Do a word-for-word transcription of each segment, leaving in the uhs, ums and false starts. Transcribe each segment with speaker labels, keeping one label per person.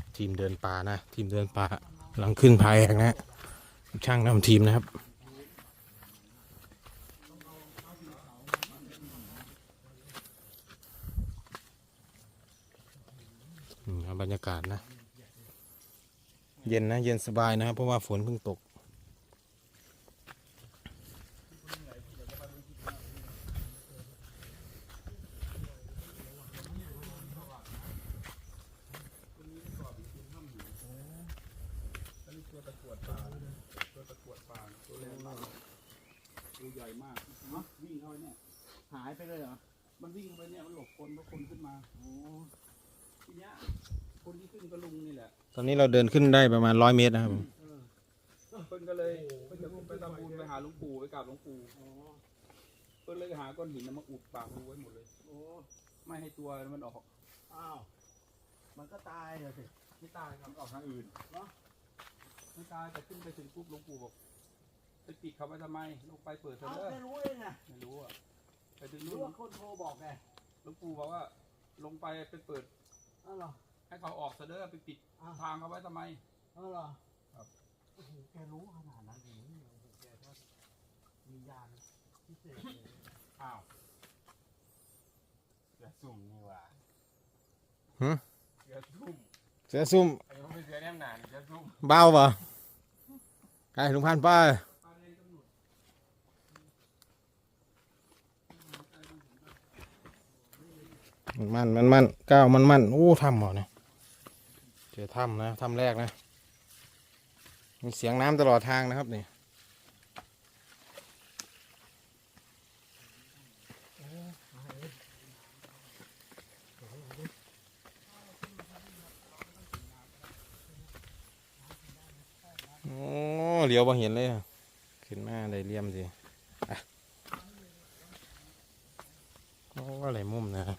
Speaker 1: ทีมเดินป่านะทีมเดินป่ากำลังขึ้นพายแอกนะช่างนำทีมนะครับบรรยากาศนะเย็นนะเย็นสบายนะครับเพราะว่าฝนเพิ่งตก
Speaker 2: ตัวตะกรวดปลาตัวตะกรวดปลาตัวแรงมากตัวใหญ่มากเนาะวิ่งเข้าไปเนี่ยหายไปเลยเหรอมันวิ่งเข้าไปเนี่ยมันหลบคนเพราะคนขึ้นมาโอ้ทีเนี้ยคนที่ขึ้นก็ลุงนี่แหละ
Speaker 1: ตอนนี้เราเดินขึ้นได้ประมาณร้อยเมตรนะครับ
Speaker 2: เพิ่นก็เลยเพิ่นจะไปทำบุญไปหาหลวงปู่ไปกราบหลวงปู่เพิ่นเลยหาก้อนหินมาอุดปากรูไว้หมดเลยโอ้ไม่ให้ตัวมันออกอ้าวมันก็ตายเลยสิไม่ตายครับออกทางอื่นเนาะไม่ตายแต่ขึ้นไปถึงปุ๊บหลวงปู่บอกไปปิดเขาไว้ทำไมลงไปเปิดเถอะเด้อไม่รู้เองไงไม่รู้อ่ะไปถึงนู้นคนโทรบอกไงหลวงปู่บอกว่าลงไปไปเปิดอ้าวเหรอให้เขาออกเถอะเด้อไปปิดทางเขาไว้ทำไมอ้าวเหรอครับโอ้โหแกรู้ขนาดนั้นเองโอ้โหแกก็มีญาณพิเศษอ้าวเสือซุ่มนี่ว่า
Speaker 1: หืม
Speaker 2: เสือซุ่ม
Speaker 1: เสือซุ่ม
Speaker 2: ไอ้พวกเสือแนมหนาเสือซุ่ม
Speaker 1: เบาป่ะไอ้ลุงพันป้ามันมันมันก้าวมันมันโอ้ถ้ำเหรอเนี่ยเจอถ้ำนะถ้ำแรกนะมีเสียงน้ำตลอดทางนะครับนี่โอ้เหลียวมาเห็นเลยขึ้นมาได้เลี่ยมสิโอ้อะไรมุมนะครับ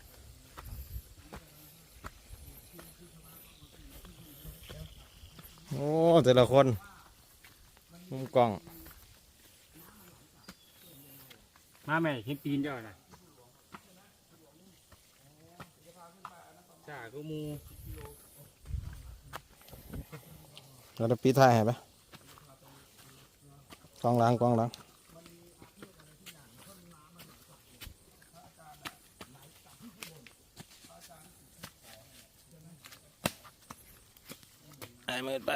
Speaker 1: โอ้แต่ละคนมุมกล้อง
Speaker 2: มาแม่เห็นตีนเจ้าน่ะจ่าก็มู
Speaker 1: เราจะปีท้ายให้ปะกองหลังกองหลังไอ้มืดไป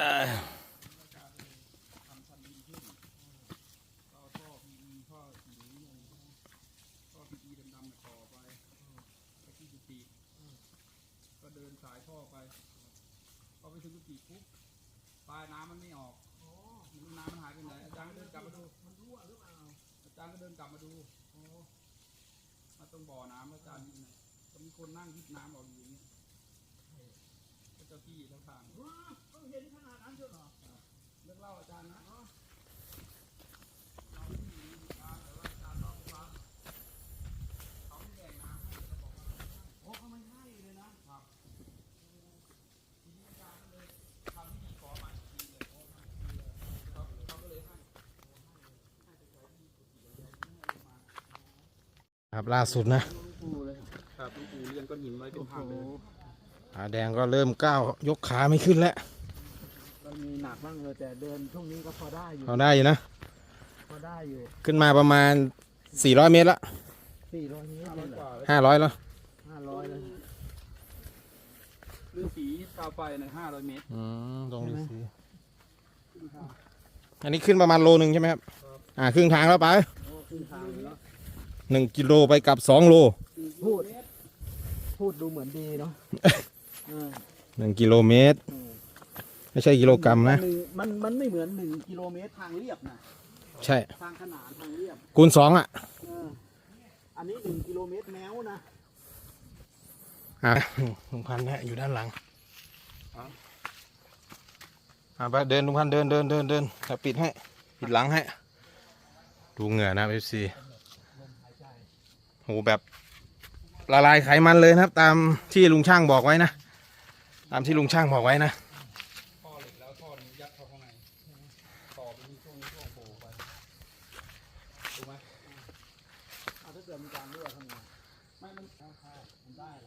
Speaker 2: ก็เดินสายท่อไปพอไปถึงกุฏิปุ๊บปลายน้ำมันไม่ออกน้ำมันหายไปไหนอาจารย์ก็เดินกลับมาดูมันรั่วหรือเปล่าอาจารย์ก็เดินกลับมาดูมาตรงบ่อน้ำอาจารย์นี่นะก็มีคนนั่งยิบน้ำออกอยู่อย่างนี้ก็เจ้าที่เจ้าทางต้องเห็นขนาดนั้นเชียวเหรอเลิกเล่าอาจารย์นะ
Speaker 1: ครับล่าสุด
Speaker 2: นะครับหลวงปู่เรียนก้อนหินไว้เป็นทางเลย
Speaker 1: ขาแดงก็เริ่มก้าวยกขาไม่ขึ้นแล้ว
Speaker 2: มันมีหนักบ้างเลยแต่เดินช่วงนี้ก็พอได้อยู่
Speaker 1: พอได้อยู่นะ
Speaker 2: พอได้อยู่
Speaker 1: ขึ้นมาประมาณสี่ร้อยเมตรละ
Speaker 2: สี่ร้อยเมตร
Speaker 1: ห้าร้อยแล้ว
Speaker 2: ห้าร้อยเลยฤาษีตาไฟในห้าร้อยเมตร
Speaker 1: อืมตรงฤาษีอันนี้ขึ้นประมาณโลนึงใช่ไหมครับอ่าครึ่งทางแล้วไป
Speaker 2: ครึ่งทางแล้ว
Speaker 1: หนึ่งกิโลไปกับสองโล
Speaker 2: พูดพูดดูเหมือนดีเนาะ
Speaker 1: หนึ่งกิโลเมตรไม่ใช่กิโลกรัมนะ
Speaker 2: มันมันไม่เหมือนหนึ่งกิโลเมตรทางเรียบนะ
Speaker 1: ใช่
Speaker 2: ทางขนานทางเรียบ
Speaker 1: คูณสองอ่ะ
Speaker 2: อันนี้หนึ่งกิโลเมตรแมวนะ
Speaker 1: อ่ะลุงพันธุ์นะอยู่ด้านหลังอ่ะไปเดินลุงพันธุ์เดินเดินเดินเดินจะปิดให้ปิดหลังให้ดูเหงื่อนะเอฟซีโหแบบละลายไขมันเลยนะครับตามที่ลุงช่างบอกไว้นะตามที่ลุงช่างบอกไว้นะ
Speaker 2: ท่อเหล็กแล้วท่อนี้ยัดเข้าข้างในต่อไปที่ช่วงช่วงโผล่ไปถูกไหมถ้าเกิดมีการรั่วทำไงไม่มันมันได้